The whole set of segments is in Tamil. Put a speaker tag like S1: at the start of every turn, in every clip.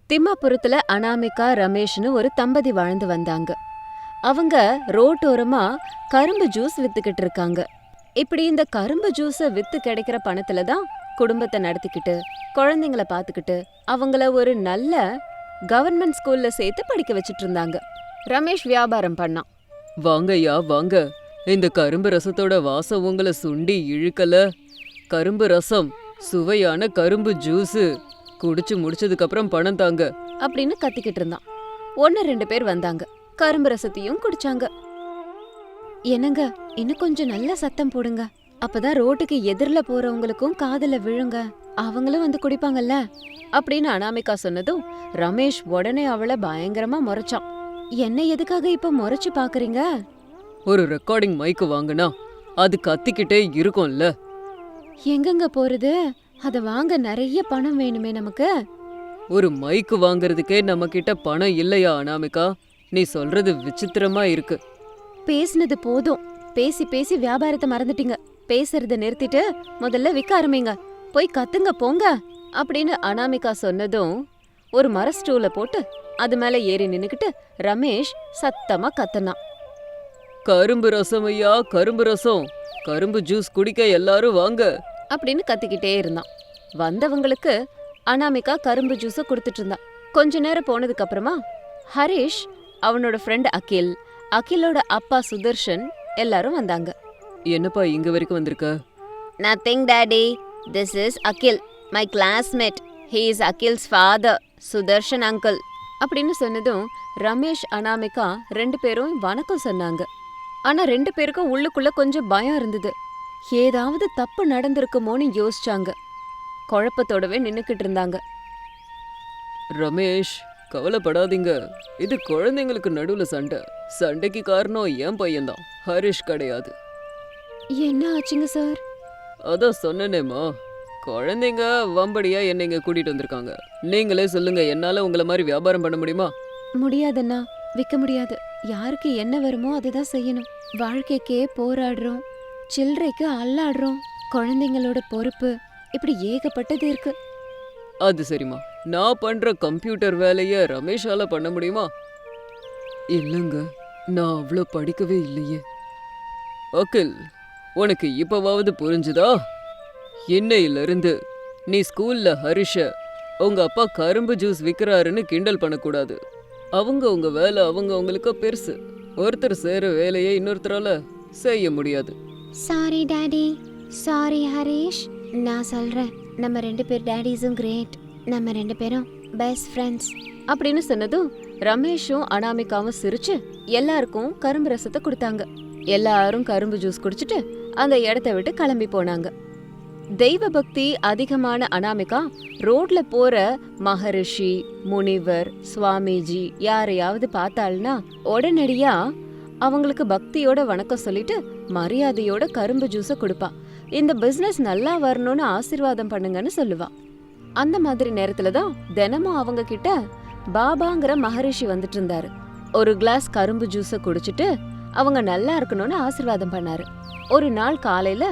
S1: திம்மாபுரத்துல அனாமிகா ரமேஷ்னு ஒரு தம்பதி வாழ்ந்து வந்தாங்க. அவங்க ரோட்டோரமா கரும்பு ஜூஸ் வித்துக்கிட்டு இருக்காங்க. இப்படி இந்த கரும்பு ஜூஸ வித்து கிடைக்கிற பணத்துல தான் குடும்பத்தை நடத்திக்கிட்டு குழந்தைங்கள பாத்துக்கிட்டு அவங்கள ஒரு நல்ல கவர்மெண்ட் ஸ்கூல்ல சேர்த்து படிக்க வச்சிட்டு இருந்தாங்க. ரமேஷ் வியாபாரம் பண்ணான்.
S2: வாங்கய்யா வாங்க, இந்த கரும்பு ரசத்தோட வாசம் உங்களை சுண்டி இழுக்கல. கரும்பு ரசம், சுவையான கரும்பு ஜூஸு, குடிச்சு முடிச்சதுக்கு அப்புறம் பணம் தாங்க
S1: அப்படின்னு கத்திக்கிட்டு இருந்தான். 1-2 பேர் வந்தாங்க, கரும்பு ரசத்தையும் குடிச்சாங்க. என்னங்க, இன்னும் கொஞ்சம் நல்ல சத்தம் போடுங்க, அப்பதான் ரோட்டுக்கு எதிரில போறவங்களுக்கும் காதுல விழுங்க, அவங்களும் வந்து குடிப்பாங்கல்ல அப்படின்னு அனாமிகா சொன்னதும் ரமேஷ் உடனே அவளை பயங்கரமா முறைச்சான். என்ன எதுக்காக இப்ப முறைச்சு பாக்குறீங்க?
S2: ஒரு ரெக்கார்டிங் மைக்கு வாங்கினா அது கத்திக்கிட்டே இருக்கும்ல.
S1: எங்கெங்க போறது? அத வாங்க நிறைய பணம் வேணுமே நமக்கு.
S2: ஒரு மைக்கு வாங்குறதுக்கே நம்ம கிட்ட பணம் இல்லையா அனாமிகா? நீ சொல்றது விசித்திரமா இருக்கு.
S1: பேசினது போதும், பேசி பேசி வியாபாரத்தை மறந்துட்டீங்க. பேசுறத நிறுத்திட்டு முதல்ல விற்க ஆரம்பிங்க, போய் கத்துங்க போங்க அப்படின்னு அனாமிகா சொன்னதும் ஒரு மர ஸ்டூல போட்டு அது மேல ஏறி நின்னுக்கிட்டு ரமேஷ் சத்தமா கத்துனான்.
S2: கரும்பு ரசம் ஐயா, கரும்பு ரசம், கரும்பு ஜூஸ் குடிக்க எல்லாரும் வாங்க
S1: அப்படின்னு கத்திக்கிட்டே இருந்தான். வந்தவங்களுக்கு அனாமிகா கரும்பு ஜூஸ கொடுத்துட்டு இருந்தான். கொஞ்ச நேரம் போனதுக்கு அப்புறமா ஹரிஷ், அவனோட ஃப்ரெண்ட் அகில், அகிலோட அப்பா சுதர்ஷன் எல்லாரும் வந்தாங்க.
S2: என்னப்பா இங்க வரைக்கும் வந்திருக்க?
S1: Nothing daddy, this is Akhil, my classmate. He is Akhil's father, Sudarshan uncle அப்படின்னு சொன்னதும் ரமேஷ் அனாமிகா 2 பேரும் வணக்கம் சொன்னாங்க. ஆனா 2 பேருக்கும் உள்ளுக்குள்ள கொஞ்சம் பயம் இருந்தது. ஏதாவது தப்பு நடந்திருக்குமோன்னு யோசிச்சாங்க. குழப்பத்தோடவே நின்னுக்கிட்டு இருந்தாங்க.
S2: ரமேஷ், கவலைப்படாதீங்க, இது குழந்தைங்களுக்கு நடுவுல சண்டை. சண்டைக்கு காரணம் என் பையன்தான், ஹரிஷ் கிடையாது.
S1: என்ன ஆச்சுங்க சார்?
S2: அதான் சொன்னேனேம்மா, குழந்தைங்க வம்படியா என்னை இங்க கூட்டிட்டு வந்திருக்காங்க. நீங்களே சொல்லுங்க, என்னால உங்களை மாதிரி வியாபாரம் பண்ண முடியுமா?
S1: முடியாதுன்னா, விற்க முடியாது. யாருக்கு என்ன வருமோ அதுதான் செய்யணும். வாழ்க்கைக்கே போராடுறோம், சில்லறைக்கு அல்லாடுறோம், குழந்தைங்களோட பொறுப்பு, இப்படி ஏகப்பட்டது இருக்கு.
S2: அது சரிம்மா, நான் பண்ற கம்ப்யூட்டர் வேலைய ரமேஷால பண்ண முடியுமா? இல்லங்க, நான் அவ்வளோ படிக்கவே இல்லையே. அகில், உனக்கு இப்பவாவது புரிஞ்சுதா? இன்னையிலிருந்து நீ ஸ்கூல்ல ஹரிஷ உங்க அப்பா கரும்பு ஜூஸ் விற்கிறாருன்னு கிண்டல் பண்ணக்கூடாது. அவங்க உங்க வேலை அவங்களுக்கு பெருசு. ஒருத்தர் செய்யற வேலையை இன்னொருத்தரால செய்ய முடியாது.
S1: Sorry daddy, sorry Harish. நான் சொல்றேன், நம்ம 2 பேர் டாடிஸும் கிரேட், நம்ம 2 பேரும் பெஸ்ட் ஃப்ரெண்ட்ஸ் அப்படின்னு சொன்னதும் ரமேஷும் அனாமிகாவும் சிரிச்சு எல்லாருக்கும் கரும்பு ரசத்தை கொடுத்தாங்க. எல்லாரும் கரும்பு ஜூஸ் குடிச்சிட்டு அந்த இடத்த விட்டு கிளம்பி போனாங்க. தெய்வ பக்தி அதிகமான அனாமிகா ரோட்ல போற மகரிஷி, முனிவர், சுவாமிஜி யாரையாவது பார்த்தாள்னா உடனடியா அவங்களுக்கு பக்தியோட வணக்கம் சொல்லிட்டு மரியாதையோட கரும்பு ஜூஸ கொடுப்பா. இந்த பிசினஸ் நல்லா வரணும்னு ஆசீர்வாதம் பண்ணுங்கன்னு சொல்லுவா. அந்த மாதிரி நேரத்துல தான் தினமும் அவங்க கிட்ட பாபாங்கிற மகரிஷி வந்துட்டு இருந்தாரு. ஒரு கிளாஸ் கரும்பு ஜூஸ குடிச்சிட்டு அவங்க நல்லா இருக்கணும்னு ஆசீர்வாதம் பண்ணாரு. ஒரு நாள் காலையில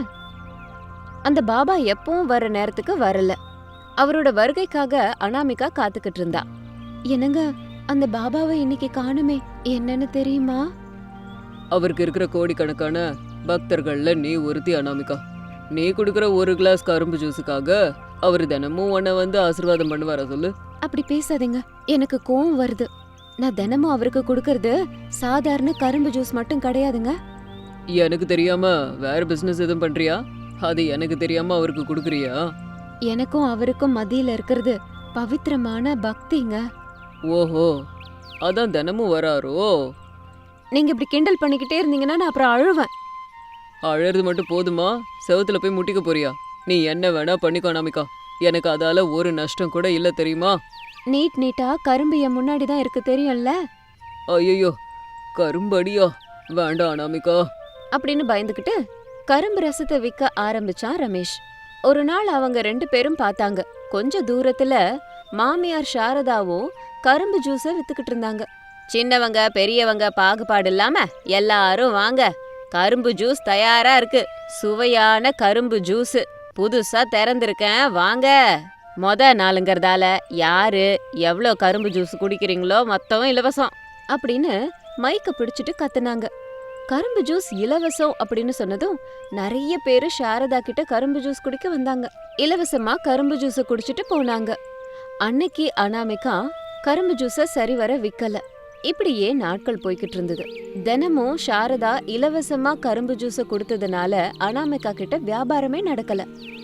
S1: அந்த பாபா எப்பவும் வர நேரத்துக்கு வரல. அவரோட வருகைக்காக அனாமிகா காத்துக்கிட்டு இருந்தா. என்னங்க, அந்த பாபாவை இன்னைக்கு காணுமே, என்னன்னு தெரியுமா?
S2: அவருக்கு இருக்கிற கோடிக்கணக்கான பக்தர்கள்ல நீ ஒருத்தி அனாமிகா. நீ குடுக்கற ஒரு கிளாஸ் கரும்பு ஜூஸுக்காக அவர் தினமும் உன்னை வந்து ஆசீர்வாதம் பண்ணுவாரா சொல்லு?
S1: அப்படி பேசாதீங்க, எனக்கு கோவம் வருது. நான் தினமும் அவருக்கு கொடுக்கறது சாதாரண கரும்பு ஜூஸ் மட்டும் கிடையாதுங்க.
S2: எனக்கு தெரியாம வேற பிசினஸ் எதுவும் பண்றியா? அது எனக்கு தெரியாம அவருக்கு குடுக்குறியா?
S1: எனக்கும் அவருக்கும் மத்தியில இருக்கிறது பவித்திரமான பக்திங்க.
S2: ஓஹோ, அதான் தினமும் வராரோ?
S1: நீங்க இப்படி கிண்டல் பண்ணிக்கிட்டே இருந்தீங்கன்னா நான் அப்புறம் அழுவேன்.
S2: அழறது மட்டும் போதுமா? செவத்துல போய் முட்டிக்க போறியா? நீ என்ன வேணா பண்ணிக்கோ அனாமிகா, எனக்கு அதால ஒரு நஷ்டம் கூட இல்ல தெரியுமா?
S1: நீட்டா கரும்பு என் முன்னாடி தான் இருக்கு, தெரியும்ல?
S2: ஐயோ, கரும்படியா? வேண்டாம் அனாமிகா
S1: அப்படின்னு பயந்துகிட்டு கரும்பு ரசத்தை விற்க ஆரம்பிச்சான் ரமேஷ். ஒரு நாள் அவங்க 2 பேரும் பார்த்தாங்க. கொஞ்ச தூரத்துல மாமியார் சாரதாவும் கரும்பு ஜூஸ வித்துக்கிட்டு இருந்தாங்க. சின்னவங்க பெரியவங்க பாகுபாடு இல்லாம எல்லாரும் வாங்க, கரும்பு ஜூஸ் தயாரா இருக்கு, சுவையான கரும்பு ஜூஸ் புதுசா திறந்திருக்கேன், வாங்க நாளுங்கிறதால யாரு எவ்வளோ கரும்பு ஜூஸ் குடிக்கிறீங்களோ மொத்தம் இலவசம் அப்படின்னு மைக்க பிடிச்சிட்டு கத்துனாங்க. கரும்பு ஜூஸ் இலவசம் அப்படின்னு சொன்னதும் நிறைய பேரு சாரதா கிட்ட கரும்பு ஜூஸ் குடிக்க வந்தாங்க. இலவசமா கரும்பு ஜூஸ குடிச்சிட்டு போனாங்க. அன்னைக்கு அனாமிகா கரும்பு ஜூஸ சரிவர விக்கல. இப்படியே நாட்கள் போய்கிட்டு இருந்தது. தினமும் சாரதா இலவசமா கரும்பு ஜூஸ கொடுத்ததுனால அனாமிகா கிட்ட வியாபாரமே நடக்கல.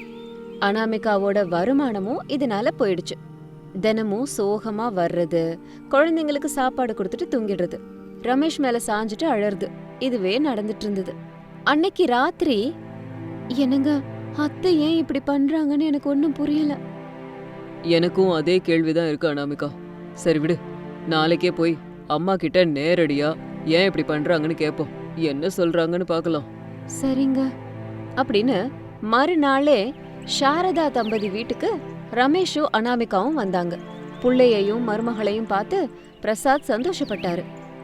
S1: அனாமிகாவோட வருமானமும் இதனால போயிடுச்சு. தினமும் சோகமா வர்றது, குழந்தைங்களுக்கு சாப்பாடு கொடுத்துட்டு தூங்கிடுறது, ரமேஷ் மேல சாஞ்சிட்டு அழறது, இதுவே நடந்துட்டு இருந்தது. அன்னைக்கு ராத்திரி, என்னங்க அத்தை ஏன் இப்படி பண்றாங்கன்னு எனக்கு ஒன்னும் புரியல.
S2: எனக்கும் அதே கேள்விதான் இருக்கு அனாமிகா. சரி விடு, நாளைக்கே போய் அம்மா கிட்ட நேரடியா ஏன் இப்படி பண்றாங்கன்னு கேட்போம். என்ன சொல்றாங்கன்னு பார்க்கலாம்.
S1: சரிங்க அப்படின்னு மறுநாளே சாரதா தம்பதி வீட்டுக்கு ரமேஷும் அனாமிகாவும் வந்தாங்க. புள்ளையையும் மருமகளையும் பார்த்து பிரசாத் சந்தோஷப்பட்டாரு.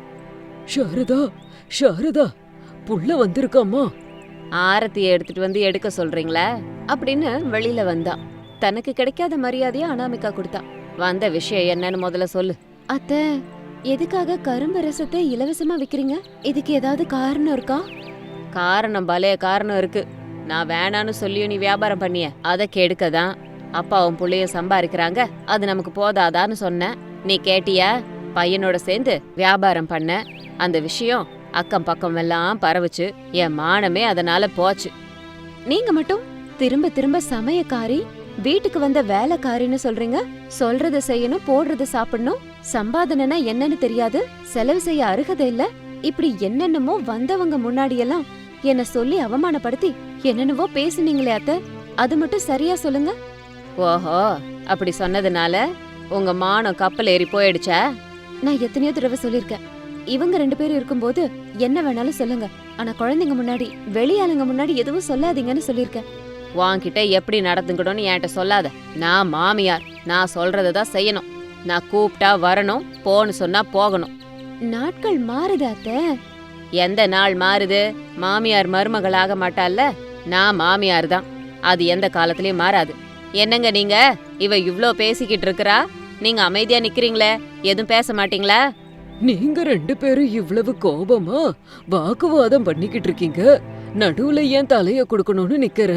S2: சாரதா, சாரதா, புள்ள வந்திருக்காம்மா.
S1: ஆரத்தியை எடுத்துட்டு வந்து எடுக்க சொல்றீங்களா அப்படின்னு வெளியில வந்தா. தனக்கு கிடைக்காத மரியாதைய அனாமிகா கொடுத்தா. வந்த விஷயம் என்னன்னு முதல்ல சொல்லு. அத்தை, எதுக்காக கரும்பு ரசத்தை இலவசமா விக்கிறீங்க? இதுக்கு ஏதாவது காரணம் இருக்கா? காரணம் பலே காரணம் இருக்கு. நான் வேணான்னு சொல்லியும் நீ வியாபாரம் பண்ணிய, அதை கெடுக்கதான் அப்பாவும் புள்ளையும் சம்பாதிக்கிறாங்க, அது நமக்கு போதாதான்னு சொன்ன. நீ கேட்டியா? பையனோட சேர்ந்து வியாபாரம் பண்ண. அந்த விஷயம் அக்கம் பக்கம் எல்லாம் பரவுச்சு. என் மானமே அதனால போச்சு. நீங்க மட்டும் திரும்ப திரும்ப சமயக்காரி, வீட்டுக்கு வந்த வேலைக்காரின்னு சொல்றீங்க. சொல்றத செய்யணும், போடுறத சாப்பிடணும். சம்பாதனைனா என்னன்னு தெரியாது, செலவு செய்ய அருகதை இல்ல. இப்படி என்னென்னமோ வந்தவங்க முன்னாடியெல்லாம் என்ன சொல்லி அவமானப்படுத்தி என்னென்னவோ பேசுனீங்களே அத்தை, அது மட்டும் சரியா சொல்லுங்க. ஓஹோ, அப்படி சொன்னதுனால உங்க மானம் கப்பல் ஏறி போயிடுச்சா? நான் எத்தனையோ தடவை சொல்லிருக்கேன், இவங்க 2 பேரும் இருக்கும்போது என்ன வேணாலும் சொல்லுங்க, ஆனா குழந்தைங்க முன்னாடி, வெளியாளுங்க முன்னாடி எதுவும் சொல்லாதீங்கன்னு சொல்லிருக்கேன். வாங்கிட்ட எப்படி நடந்துக்கணும்னு என்கிட்ட சொல்லாத. நான் மாமியார், நான் சொல்றதான் செய்யணும். நான் கூப்பிட்டா வரணும், போன்னு சொன்னா போகணும். நாட்கள் மாறுது அத்தை. எந்த நாள் மாறுது? மாமியார் மருமகளாக மாட்டால்ல. நான் மாமியார் தான், அது எந்த காலத்திலயும் மாறாது. என்னங்க நீங்க, இவ இவ்ளோ பேசிக்கிட்டு இருக்கறா, நீங்க அமைதியா நிக்கிறீங்களே, எதுவும் பேச மாட்டீங்களா?
S2: நீங்க 2 பேரும் இவ்வளவு கோபமா வாக்குவாதம் பண்ணிக்கிட்டு இருக்கீங்க. நடுவுல ஏன் தலைய கொடுக்கணும்னு நிக்கிற?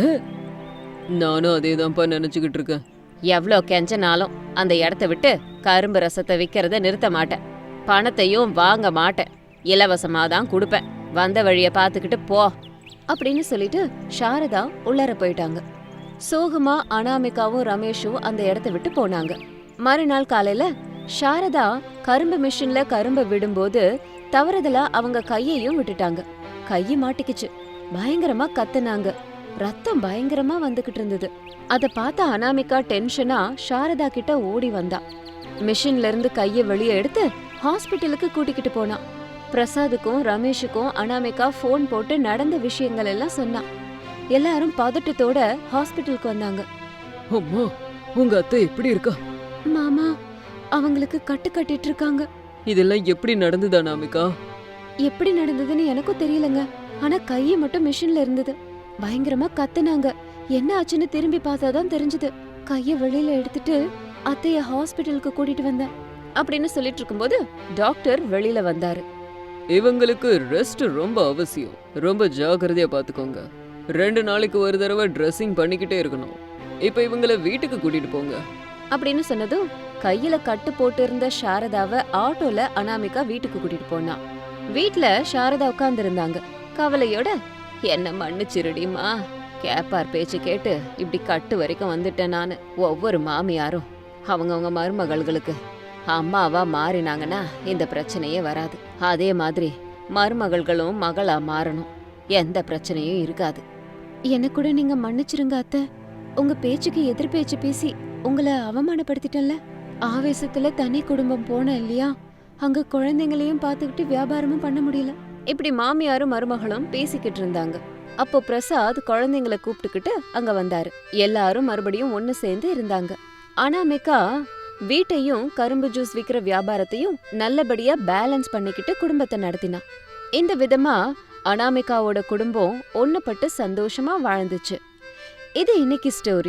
S2: நானும் அதேதான்ப்பா நினைச்சுக்கிட்டு இருக்கேன்.
S1: எவ்ளோ கெஞ்சனாலும் அந்த இடத்த விட்டு கரும்பு ரசத்தை விக்கிறத நிறுத்த மாட்டேன். பணத்தையும் வாங்க மாட்டேன், இலவசமா தான் கொடுப்பேன். வந்த வழிய பாத்துக்கிட்டு போ அப்படின்னு சொல்லிட்டு சாரதா உள்ளார போயிட்டாங்க. சோகமா அனாமிகாவும் ரமேஷும் அந்த இடத்த விட்டு போனாங்க. மறுநாள் காலையில சாரதா கரும்பு மிஷின்ல கரும்பை விடும்போது தவறுதலா அவங்க கையையும் விட்டுட்டாங்க. கையை மாட்டிக்கிச்சு. பயங்கரமா கத்துனாங்க. ரத்தம் பயங்கரமா வந்துகிட்டு இருந்தது. அத பார்த்த அனாமிகா டென்ஷனா சாரதா கிட்ட ஓடி வந்தா. மிஷின்ல இருந்து கைய வெளியே எடுத்து ஹாஸ்பிட்டலுக்கு கூட்டிக்கிட்டு போனா. பிரசாதுக்கும் ரமேஷுக்கும் அனாமிகா போன் போட்டு நடந்த விஷயங்கள் எல்லாம் சொன்னா. எல்லாரும் பதட்டத்தோட ஹாஸ்பிட்டலுக்கு வந்தாங்க.
S2: அம்மா, உங்க அத்தை எப்படி இருக்கா?
S1: மாமா, அவங்களுக்கு கட்டு கட்டிட்டு இருக்காங்க.
S2: இதெல்லாம் எப்படி நடந்தது அனாமிகா?
S1: எப்படி நடந்ததுன்னு எனக்கும் தெரியலங்க, ஆனா கைய மட்டும் மிஷின்ல இருந்தது. பயங்கரமா கத்துனாங்க. என்ன ஆச்சுன்னு திரும்பி பார்த்தாதான் தெரிஞ்சது. கைய வெளியில எடுத்துட்டு அத்தைய ஹாஸ்பிட்டலுக்கு கூட்டிட்டு வந்தேன் அப்படின்னு சொல்லிட்டு இருக்கும்போது டாக்டர் வெளியில வந்தாரு.
S2: இவங்களுக்கு ரெஸ்ட் ரொம்ப அவசியம், ரொம்ப ஜாக்கிரதையா பாத்துக்கோங்க. 2 நாளைக்கு ஒரு தடவை ட்ரெஸ்ஸிங் பண்ணிக்கிட்டே இருக்கணும். இப்ப இவங்கள வீட்டுக்கு கூட்டிட்டு போங்க
S1: அப்படின்னு சொன்னதும் கையில கட்டு போட்டு இருந்த சாரதாவை ஆட்டோல அனாமிகா வீட்டுக்கு கூட்டிட்டு போனா. வீட்ல சாரதா உட்கார்ந்து இருந்தாங்க கவலையோட. என்ன மன்னிச்சிருடிமா, கேப்பார் பேச்சு கேட்டு இப்படி கட்டு வரைக்கும் வந்துட்டேன் நானு. ஒவ்வொரு மாமியாரும் அவங்கவுங்க மருமகள்களுக்கு அம்மாவா மாறினாங்கன்னா இந்த பிரச்சனையே வராது. அதே மாதிரி மருமகள்களும் மகளா மாறணும், எந்த பிரச்சனையும் இருக்காது. என்ன கூட நீங்க மன்னிச்சிருங்க அத்தை. உங்க பேச்சுக்கு எதிர் பேச்சு பேசி உங்களை அவமானப்படுத்திட்டேன்ல. ஆவேசத்துல தனி குடும்பம் போன இல்லையா, அங்க குழந்தைங்களையும் பார்த்துக்கிட்டு வியாபாரமும் பண்ண முடியல. இப்படி மாமியாரும் மருமகளும் பேசிக்கிட்டு இருந்தாங்க. அப்போ பிரசாத் குழந்தைங்களை கூப்பிட்டுக்கிட்டு அங்க வந்தாரு. எல்லாரும் மறுபடியும் ஒன்னு சேர்ந்து இருந்தாங்க. அனாமிகா வீட்டையும் கரும்பு ஜூஸ் விக்கிற வியாபாரத்தையும் நல்லபடியா பேலன்ஸ் பண்ணிக்கிட்டு குடும்பத்தை நடத்தினா. இந்த விதமா அனாமிகாவோட குடும்பம் ஒண்ணுபட்டு சந்தோஷமா வாழ்ந்துச்சு. இது இன்னைக்கு ஸ்டோரி.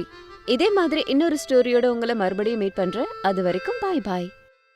S1: இதே மாதிரி இன்னொரு ஸ்டோரியோட உங்களை மறுபடியும் மீட் பண்றேன். அது வரைக்கும் பாய் பாய்.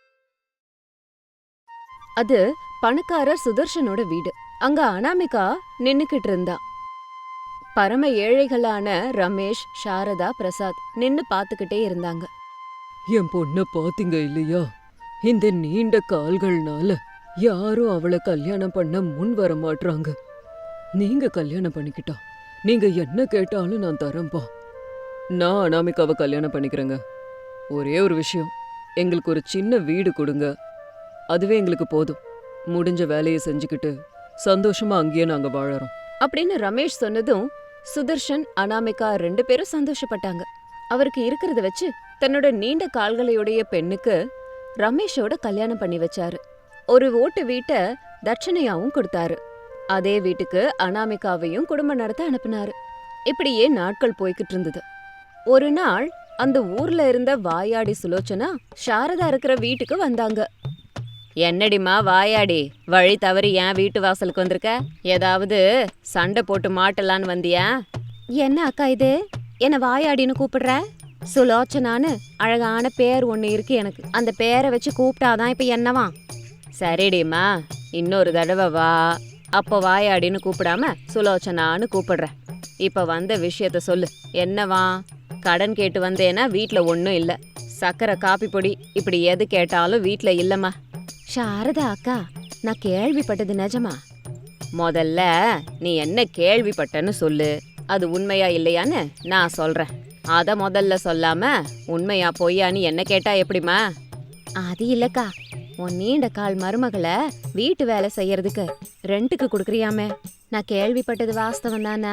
S1: அது பணக்காரர் சுதர்ஷனோட வீடு. அங்க அனாமிகா நின்னுக்கிட்டு இருந்தா. பரம ஏழைகளான ரமேஷ், சாரதா, பிரசாத் நின்னு பாத்துக்கிட்டே இருந்தாங்க.
S2: என் பொண்ண பாத்தீங்க இல்லையா? இந்த நீண்ட கால்கள்னால யாரும் அவளை கல்யாணம் பண்ண முன் வர மாட்றாங்க. நீங்க கல்யாணம் பண்ணிக்கிட்டா நீங்க என்ன கேட்டாலும் நான் தரேன்பா. நான் அனாமிகாவை கல்யாணம் பண்ணிக்கிறேங்க. ஒரே ஒரு விஷயம், எங்களுக்கு ஒரு சின்ன வீடு கொடுங்க. அதுவே எங்களுக்கு போதும். முடிஞ்ச வேலையை செஞ்சுக்கிட்டு சந்தோஷமா அங்கேயே நாங்க வாழறோம்
S1: அப்படின்னு ரமேஷ் சொன்னதும் சுதர்ஷன், அனாமிகா 2 பேரும் சந்தோஷப்பட்டாங்க. அவருக்கு இருக்கிறத வச்சு தன்னோட நீண்ட கால்களையுடைய பெண்ணுக்கு ரமேஷோட கல்யாணம் பண்ணி வச்சாரு. ஒரு ஓட்டு வீட்டை தட்சணையாவும் கொடுத்தாரு. அதே வீட்டுக்கு அனாமிகாவையும் குடும்பம் நடத்த அனுப்புனாரு. இப்படியே நாட்கள் போய்கிட்டு இருந்தது. ஒரு நாள் அந்த ஊர்ல இருந்த வாயாடி சுலோச்சனா சாரதா இருக்கிற வீட்டுக்கு வந்தாங்க. என்னடிமா வாயாடி, வழி தவறி ஏன் வீட்டு வாசலுக்கு வந்திருக்க? ஏதாவது சண்டை போட்டு மாட்டலான்னு வந்தியா? என்ன அக்கா இது, என்ன வாயாடின்னு கூப்பிடுற? சுலோச்சனான்னு அழகான பேர் ஒண்ணு இருக்கு எனக்கு. அந்த பேரை வச்சு கூப்பிட்டாதான் இப்ப என்னவா? சரிடிமா, இன்னொரு தடவை வா. அப்போ வாயாடின்னு கூப்பிடாம சுலோச்சனான்னு கூப்பிடுற. இப்ப வந்த விஷயத்த சொல்லு. என்னவா? கடன் கேட்டு வந்தேன்னா வீட்ல ஒன்னும் இல்ல. சக்கரை, காப்பி பொடி இப்படி எது கேட்டாலும் வீட்ல இல்லம்மா. சாரதா அக்கா, நான் கேள்விப்பட்டது நிஜமா? முதல்ல நீ என்ன கேள்விப்பட்டன்னு சொல்லு. அது உண்மையா இல்லையான்னு நான் சொல்றேன். அத முதல்ல சொல்லாம உண்மையா பொய்யான்னு என்ன கேட்டா எப்படிமா? அது இல்லக்கா, உன் நீண்ட கால் மருமகளை வீட்டு வேலை செய்யறதுக்கு ரெண்டுக்கு கொடுக்குறியாமே, நான் கேள்விப்பட்டது வாஸ்தவம் தானா?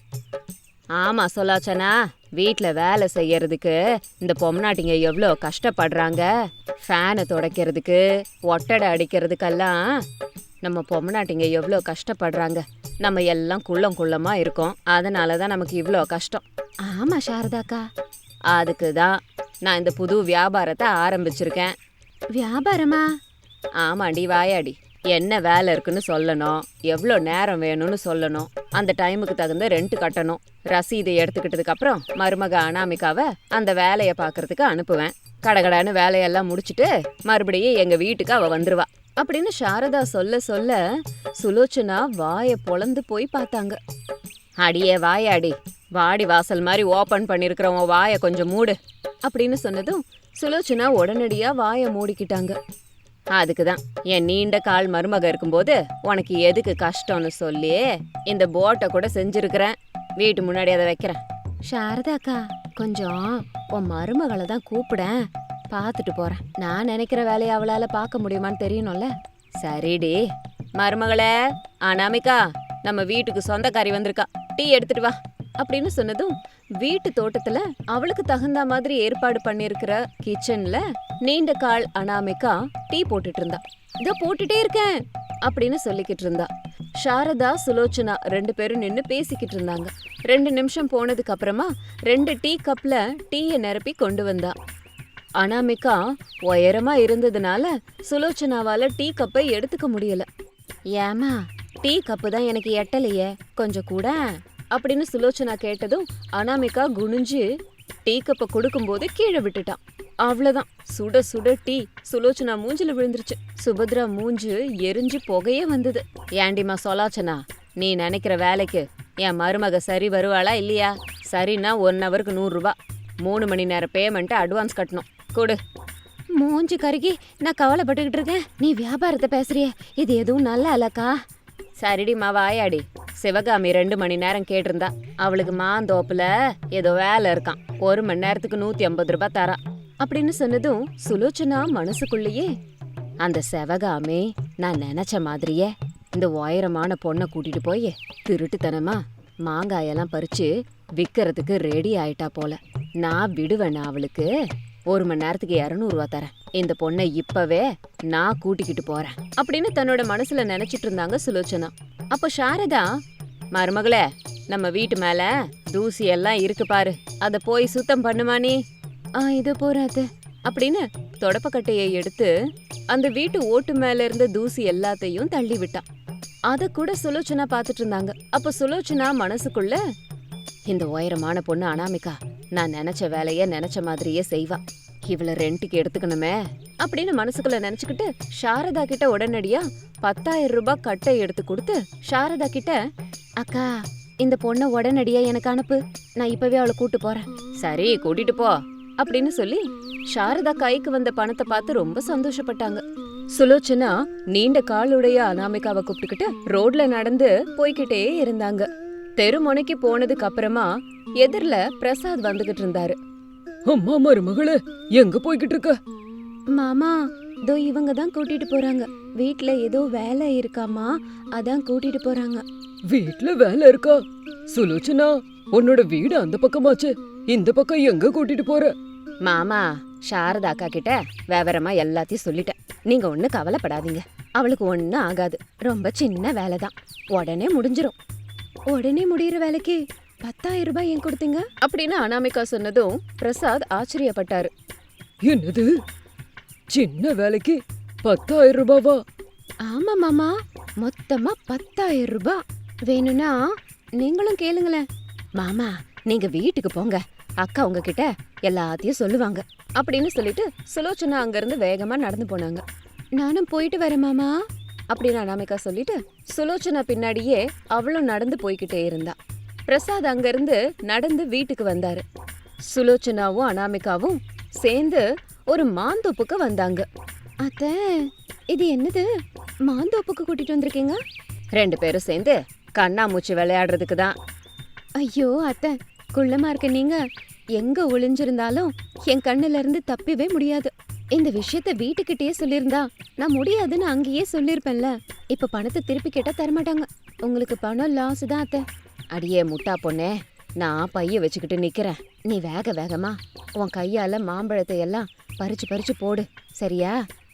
S1: ஆமா சொல்லாச்சனா, வீட்ல வேலை செய்யறதுக்கு இந்த பொம்னாட்டிங்க எவ்வளோ கஷ்டப்படுறாங்க. ஃபேனை துடைக்கிறதுக்கு, ஒட்டடை அடிக்கிறதுக்கெல்லாம் நம்ம பொம்னாட்டிங்க எவ்வளோ கஷ்டப்படுறாங்க. நம்ம எல்லாம் குள்ளமா இருக்கோம், அதனாலதான் நமக்கு இவ்வளோ கஷ்டம். ஆமா சாரதாக்கா, அதுக்கு தான் நான் இந்த புது வியாபாரத்தை ஆரம்பிச்சிருக்கேன். வியாபாரமா? ஆமாண்டி வாயாடி. என்ன வேலை இருக்குன்னு சொல்லணும், எவ்வளோ நேரம் வேணும்னு சொல்லணும், அந்த டைமுக்கு தகுந்த ரெண்ட் கட்டணும். ரசீதை எடுத்துக்கிட்டதுக்கு அப்புறம் மருமக அனாமிகாவை அந்த வேலையை பார்க்கறதுக்கு அனுப்புவேன். கடகடான்னு வேலையெல்லாம் முடிச்சுட்டு மறுபடியும் எங்க வீட்டுக்கு அவ வந்துருவா அப்படின்னு சாரதா சொல்ல சொல்ல சுலோச்சனா வாயை பொளந்து போய் பார்த்தாங்க. அடியே வாயாடி, வாடி வாசல் மாதிரி ஓபன் பண்ணிருக்கிறவன் வாயை கொஞ்சம் மூடு அப்படின்னு சொன்னதும் சுலோச்சனா உடனடியா வாயை மூடிக்கிட்டாங்க. அதுக்குதான் என் நீண்ட கால் மருமக இருக்கும்போது உனக்கு எதுக்கு கஷ்டம்னு சொல்லி இந்த போட்டை கூட செஞ்சிருக்கிறேன். வீட்டு முன்னாடி அதை வைக்கிறேன். சாரதாக்கா, கொஞ்சம் உன் மருமகளை தான் கூப்பிடேன், பார்த்துட்டு போறேன். நான் நினைக்கிற வேலையை அவளால பார்க்க முடியுமான்னு தெரியணும்ல. சரிடி. மருமகளே, அனாமிகா, நம்ம வீட்டுக்கு சொந்தக்காரி வந்திருக்கா, டீ எடுத்துட்டு வா அப்படின்னு சொன்னதும் வீட்டு தோட்டத்துல அவளுக்கு தகுந்த மாதிரி ஏற்பாடு பண்ணிருக்கிற கிச்சன்ல நீண்ட கால் அனாமிகா டீ போட்டுட்டு இருந்தா. இதோ போட்டுட்டே இருக்கேன் அப்படின்னு சொல்லிக்கிட்டு இருந்தா. சாரதா, சுலோச்சனா 2 பேரும் நின்னு பேசிக்கிட்டு இருந்தாங்க. 2 நிமிஷம் போனதுக்கு அப்புறமா 2 டீ கப்ல டீயை நிரப்பி கொண்டு வந்தா. அனாமிகா உயரமா இருந்ததுனால சுலோச்சனாவால டீ கப்பை எடுத்துக்க முடியல. ஏமா, டீ கப்பு தான் எனக்கு எட்டலையே, கொஞ்சம் கூட அப்படின்னு சுலோச்சனா கேட்டதும் அனாமிகா குனிஞ்சு டீ கப்பை கொடுக்கும்போது கீழே விட்டுட்டான். அவ்வளவுதான், சுட சுட டீ சுலோச்சனா மூஞ்சில விழுந்துருச்சு. சுபத்ரா மூஞ்சு எரிஞ்சு புகையே வந்தது. ஏண்டிமா சொலாச்சனா, நீ நினைக்கிற வேலைக்கு என் மருமக சரி வருவாளா இல்லையா? சரின்னா 1 ஹவருக்கு 100 ரூபாய், 3 மணி நேரம் பேமெண்ட் அட்வான்ஸ் கட்டணும். கொடு. மூஞ்சி கருகி நான் கவலைப்பட்டுக்கிட்டு இருக்கேன், நீ வியாபாரத்தை பேசுறிய, இது எதுவும் நல்லா இல்லக்கா. சரிடிமா வாயாடி, சிவகாமி 2 மணி நேரம் கேட்டிருந்தா. அவளுக்கு மாந்தோப்புல ஏதோ வேலை இருக்கான், 1 மணி நேரத்துக்கு 150 ரூபாய் தரா அப்படின்னு சொன்னதும் சுலோச்சனா மனசுக்குள்ளேயே, அந்த சிவகாமி நான் நினைச்ச மாதிரியே இந்த உயரமான பொண்ணை கூட்டிட்டு போய் திருட்டுத்தனமா மாங்காயெல்லாம் பறிச்சு விக்கிறதுக்கு ரெடி ஆயிட்டா போல. நான் விடுவேன் அவளுக்கு. 1 மணி நேரத்துக்கு 200 ரூபாய் தரேன். இந்த பொண்ணை இப்பவே நான் கூட்டிக்கிட்டு போறேன் அப்படின்னு தன்னோட மனசுல நினைச்சிட்டு இருந்தாங்க சுலோச்சனா. அப்போ சாரதா, மருமகளே, நம்ம வீட்டு மேல தூசி எல்லாம் இருக்கு பாரு, அத போய் சுத்தம் பண்ணுமா நீ? இது போறாது அப்படின்னு தொடப்பக்கட்டையை எடுத்து அந்த வீட்டு ஓட்டு மேல இருந்த தூசி எல்லாத்தையும் தள்ளி விட்டான். அத கூட சுலோச்சனா பாத்துட்டு இருந்தாங்க. அப்ப சுலோச்சனா மனசுக்குள்ள, இந்த உயரமான பொண்ணு அனாமிகா நான் நினைச்ச வேலைய நினைச்ச மாதிரியே செய்வா. இவள ரெண்டுக்கு எடுத்துக்கணுமே அப்படின்னு மனசுக்குள்ள நினைச்சுக்கிட்டு சாரதா கிட்ட உடனடியா 10,000 ரூபாய் கட்டை எடுத்து கொடுத்து சாரதா கிட்ட, அக்கா இந்த பொண்ணை உடனடியா எனக்கு அனுப்பு, நான் இப்பவே அவளை கூட்டு போறேன். சரி கூட்டிட்டு போ அப்படின்னு சொல்லி சாரதா கைக்கு வந்த பணத்தை பார்த்து ரொம்ப சந்தோஷப்பட்டாங்க. சுலோச்சனா நீண்ட காலுடைய அனாமிகாவை கூப்பிட்டுக்கிட்டு ரோட்ல நடந்து போய்கிட்டே இருந்தாங்க. தெருமுனைக்கு போனதுக்கு அப்புறமா எதிர்ல பிரசாத் வந்துகிட்டு இருந்தாரு.
S2: அம்மா மருமகளே, எங்க போய்கிட்டு இருக்க?
S1: மாமா, தோ இவங்க தான் கூட்டிட்டு போறாங்க. வீட்ல ஏதோ வேலை இருக்காமா, அதான் கூட்டிட்டு போறாங்க.
S2: வீட்ல வேலை இருக்கா? சுலோச்சனா, உன்னோட வீடு அந்த பக்கமாச்சு, இந்த பக்கம் எங்க கூட்டிட்டு போற?
S1: மாமா, சாரதா அக்கா கிட்ட விவரமா எல்லாத்தையும் சொல்லிட்டேன். நீங்க ஒண்ணு கவலைப்படாதீங்க, அவளுக்கு ஒண்ணும் ஆகாது. ரொம்ப சின்ன வேலை தான், உடனே முடிஞ்சிரும். உடனே முடியிற வேலைக்கு 10,000 ரூபாய் ஏன் கொடுத்தீங்க அப்படின்னு அனாமிகா சொன்னதும் பிரசாத் ஆச்சரியப்பட்டாரு.
S2: என்னது, சின்ன வேலைக்கு 10,000 ரூபாவா?
S1: ஆமா மாமா, மொத்தமா 10,000 ரூபாய். வேணும்னா நீங்களும் கேளுங்களேன். மாமா, நீங்க வீட்டுக்கு போங்க, அக்கா உங்ககிட்ட எல்லாத்தையும் சொல்லுவாங்க அப்படின்னு சொல்லிட்டு சுலோச்சனா அங்கிருந்து வேகமா நடந்து போனாங்க. நானும் போயிட்டு வரேன் மாமா அப்படின்னு அனாமிகா சொல்லிட்டு சுலோச்சனா பின்னாடியே அவளும் நடந்து போய்கிட்டே இருந்தா. பிரசாத் அங்கிருந்து நடந்து வீட்டுக்கு வந்தாரு. சுலோச்சனாவும் அனாமிகாவும் சேர்ந்து ஒரு மாந்தோப்புக்கு வந்தாங்க. அத்தை, இது என்னது, மாந்தோப்புக்கு கூட்டிட்டு வந்திருக்கீங்க? 2 பேரும் சேர்ந்து கண்ணாமூச்சி விளையாடுறதுக்கு தான். ஐயோ அத்தை, குள்ளமா இருக்க நீங்க எங்க ஒளிஞ்சிருந்தாலும் என் கண்ணுல இருந்து தப்பிவே முடியாது. இந்த விஷயத்த வீட்டுக்கிட்டே சொல்லியிருந்தா நான் முடியாதுன்னு அங்கேயே சொல்லியிருப்பேன்ல. இப்ப பணத்தை திருப்பி கேட்டா தரமாட்டாங்க. உங்களுக்கு பணம் லாஸ் தான் அத்தை. அடியே முட்டா பொண்ணே, நான் பைய வச்சுக்கிட்டு நிக்கிறேன், நீ வேக வேகமா உன் கையால மாம்பழத்தை எல்லாம் பறிச்சு பறிச்சு போடு, சரியா?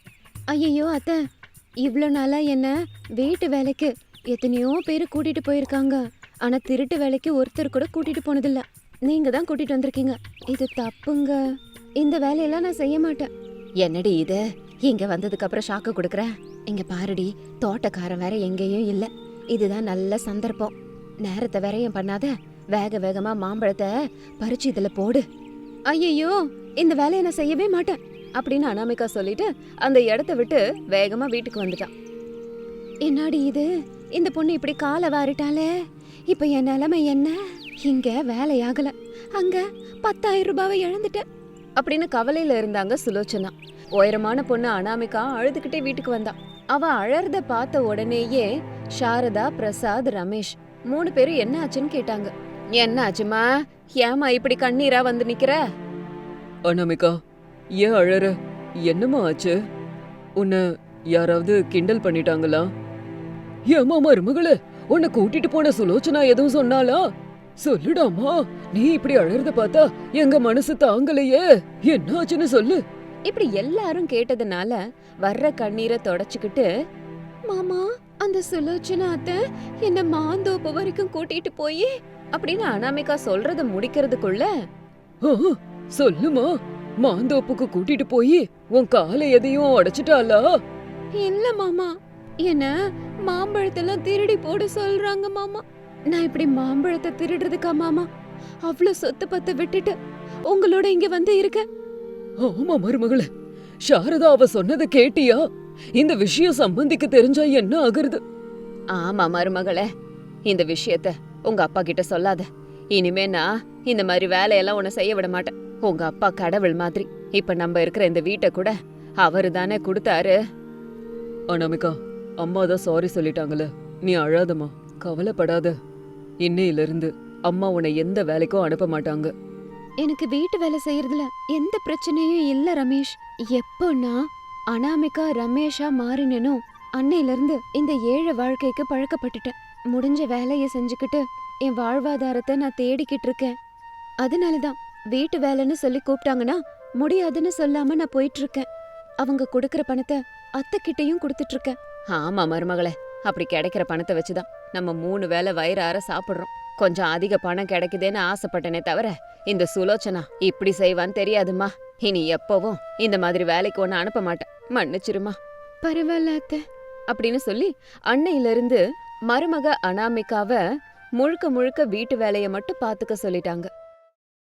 S1: ஐயோ அத்தை, இவ்வளோ நாளா என்ன வீட்டு வேலைக்கு எத்தனையோ பேர் கூட்டிட்டு போயிருக்காங்க. ஆனா திருட்டு வேலைக்கு ஒருத்தர் கூட கூட்டிட்டு போனதில்ல. நீங்க தான் கூட்டிட்டு வந்திருக்கீங்க. இது தப்புங்க. இந்த வேலையெல்லாம் நான் செய்ய மாட்டேன். என்னடி இது, இங்க வந்ததுக்கு அப்புறம் ஷாக்கு கொடுக்குற? இங்க பாருடி, தோட்டக்காரன் வேற எங்கேயும் இல்ல. இதுதான் நல்ல சந்தர்ப்பம். நேரத்தை வேறையும் பண்ணாத, வேக வேகமா மாம்பழத்தை பறிச்சு இதுல போடு. ஐயோ, இந்த வேலையை நான் செய்யவே மாட்டேன் அப்படின்னு அனாமிகா சொல்லிட்டு அந்த இடத்த விட்டு வேகமா வீட்டுக்கு வந்துட்டான். என்னாடி இது, இந்த பொண்ணு இப்படி காலை வாரிட்டாலே, இப்ப என் நிலைமை என்ன? இங்க வேலையாகல, அங்க 10,000 ரூபாவை இழந்துட்டேன் அப்படின்னு கவலையில இருந்தாங்க சுலோச்சனா. உயரமான பொண்ணு அனாமிகா அழுதுகிட்டே வீட்டுக்கு வந்தா. அவ அழறத பார்த்த உடனேயே சாரதா, பிரசாத், ரமேஷ் 3 பேரும் என்ன ஆச்சுன்னு கேட்டாங்க. என்ன ஆச்சுமா, ஏமா இப்படி கண்ணீரா வந்து நிக்கிற?
S2: அனாமிகா, ஏன் அழற? என்னம்மா ஆச்சு? உன்னை யாராவது கிண்டல் பண்ணிட்டாங்களா? ஏமா மருமகளே, உன்னை கூட்டிட்டு போன சுலோச்சனா எதுவும் சொன்னாலா? சொல்லுடாமா, நீ இப்படி அழறத பார்த்தா எங்க மனசு தாங்கலையே, என்ன ஆச்சுன்னு சொல்லு.
S1: இப்படி எல்லாரும் கேட்டதுனால வர்ற கண்ணீரை தொடச்சுக்கிட்டு, மாமா, அந்த சுலோச்சனா அத்தை என்ன மாந்தோப்பு வரைக்கும் கூட்டிட்டு போய் அப்படின்னு அனாமிகா சொல்றத முடிக்கிறதுக்குள்ள,
S2: சொல்லுமா, மாந்தோப்புக்கு கூட்டிட்டு போய் உன் காலை எதையும் உடைச்சிட்டாளா?
S1: இல்ல மாமா, என்ன மாம்பழத்தெல்லாம் திருடி போட சொல்றாங்க மாமா. நான் இப்படி மாம்பழத்தை திருடுறதுக்கா மாமா அவ்வளவு சொத்து பத்த விட்டுட்டு உங்களோட இங்க வந்து இருக்க?
S2: ஆமா மருமகளே, சாரதா அவ சொன்னதை கேட்டியா? இந்த விஷயம் சம்பந்திக்கு தெரிஞ்சா என்ன ஆகுறது?
S1: ஆமா மருமகளே, இந்த விஷயத்த உங்க அப்பா கிட்ட சொல்லாத. இனிமே நான் இந்த மாதிரி வேலையெல்லாம் உன்னை செய்ய விட மாட்டேன். உங்க அப்பா கடவுள் மாதிரி. இப்ப நம்ம இருக்கிற இந்த வீட்டை கூட அவரு தானே கொடுத்தாரு.
S2: அனாமிகா, அம்மா தான் சாரி சொல்லிட்டாங்கல்ல, நீ அழாதம்மா, கவலைப்படாத. இன்னையில இருந்து அம்மா உன்னை எந்த வேலைக்கும் அனுப்ப மாட்டாங்க.
S1: எனக்கு வீட்டு வேலை செய்யறதுல எந்த பிரச்சனையும் இல்ல ரமேஷ். எப்போனா அனாமிகா ரமேஷா மாறினேனோ அன்னையில இருந்து இந்த ஏழை வாழ்க்கைக்கு பழக்கப்பட்டுட்டேன். முடிஞ்ச வேலையை செஞ்சுக்கிட்டு என் வாழ்வாதாரத்தை நான் தேடிக்கிட்டு இருக்கேன். அதனாலதான் வீட்டு வேலைன்னு சொல்லி கூப்பிட்டாங்கன்னா முடியாதுன்னு சொல்லாம நான் போயிட்டு இருக்கேன். அவங்க கொடுக்கற பணத்தை அத்தைக்கிட்டையும் கொடுத்துட்டு இருக்கேன். ஆமா மருமகளே, அப்படி கிடைக்கிற பணத்தை வச்சுதான் நம்ம 3 வேளை வயிறார சாப்பிடுறோம். கொஞ்சம் அதிக பணம் கிடைக்குதேன்னு ஆசைப்பட்டனே தவிர இந்த சுலோச்சனா இப்படி செய்வான்னு தெரியாதுமா. இனி எப்பவும் இந்த மாதிரி வேலைக்கு ஒன்னு அனுப்ப மாட்டேன், மன்னிச்சிருமா. பரவாயில்ல அத்தை அப்படின்னு சொல்லி அன்னையில இருந்து மருமக அனாமிகாவ முழுக்க முழுக்க வீட்டு வேலையை மட்டும் பாத்துக்க சொல்லிட்டாங்க.